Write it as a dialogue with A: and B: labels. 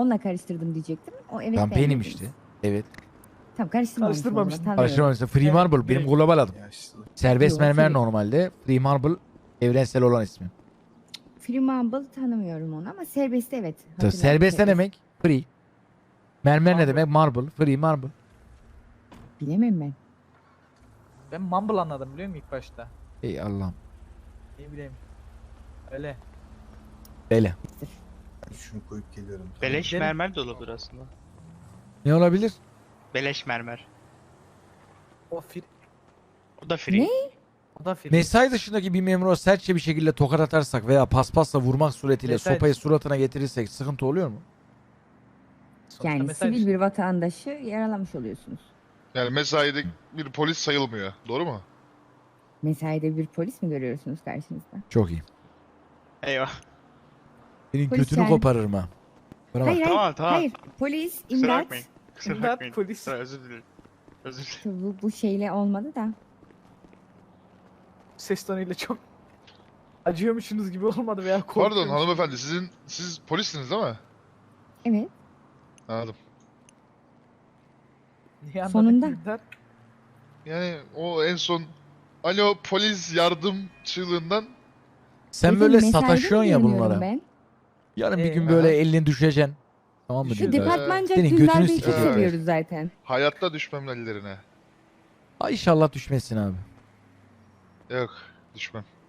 A: Onunla karıştırdım diyecektim. O evet
B: Campaign
A: demediniz.
B: işte. Evet.
A: Tamam karıştırmamışsın.
C: Karıştırmamıştın.
B: Karıştırmamışsın. Free Marble benim
C: direkt.
B: global adım.
D: Yaşlı.
B: Serbest
A: Yok,
B: mermer
A: free.
B: normalde. Free Marble evrensel olan ismi.
A: Free Marble tanımıyorum onu ama serbest evet. Hatırladım,
B: Serbest ne demek? Free. Mermer ne
C: Marble.
B: demek? Marble. Free Marble.
A: Bilemem ben.
C: Ben mumble anladım biliyor musun ilk başta?
B: Ey Allah'ım.
C: Ne bileyim. Öyle.
B: Böyle.
D: Ben şunu koyup geliyorum.
E: Beleş
C: Benim-
E: mermer de olabilir aslında.
B: Ne olabilir?
E: Beleş mermer.
C: O free.
E: O da free.
A: Ne?
C: O da free.
B: Mesai dışındaki bir memura sertçe bir şekilde tokat atarsak veya paspasla vurmak suretiyle
C: Mesai
B: sopayı
C: dışı.
B: suratına getirirsek sıkıntı oluyor mu?
C: Sonuçta
A: Yani
C: mesaj-
A: sivil bir vatandaşı yaralamış oluyorsunuz.
F: Yani mesaide bir polis sayılmıyor. Doğru mu?
A: Mesaide bir polis mi görüyorsunuz karşınızda?
B: Çok iyi.
E: Eyvah.
B: Senin
A: Polis
B: götünü
A: yani.
B: koparırım ha. Bana bak.
A: Hayır
E: Tamam, tamam.
A: hayır. Polis,
E: Kusura
A: imdat.
E: bakmayın. Kusura
C: İmdat,
E: bakmayın.
C: polis.
E: Özür dilerim. Özür dilerim.
A: Bu şeyle olmadı da.
C: Ses tonuyla çok acıyormuşsunuz gibi olmadı veya
F: Pardon
C: korkuyormuşsunuz.
F: hanımefendi siz polissiniz değil mi?
A: Evet.
F: Anladım.
C: Niye anladın
A: Sonunda.
C: ki İmdat?
F: Yani o en son alo polis yardım çığlığından
B: Sen
A: Dedim,
B: böyle
A: mesaide
B: sataşıyorsun
A: mi
B: ya
A: görünüyorum
B: bunlara.
A: Ben.
B: Yarın bir gün
C: Ee,
B: böyle
F: aha.
B: elini düşeceksin. Tamam mı?
A: Şu
B: diyor.
A: departmanca
B: Senin
A: Dündar
B: götünü
A: Bey'i çok
F: sikeceğim.
A: seviyoruz zaten.
F: hayatta düşmem ellerine.
B: Ay inşallah düşmesin abi.
F: Yok düşmem.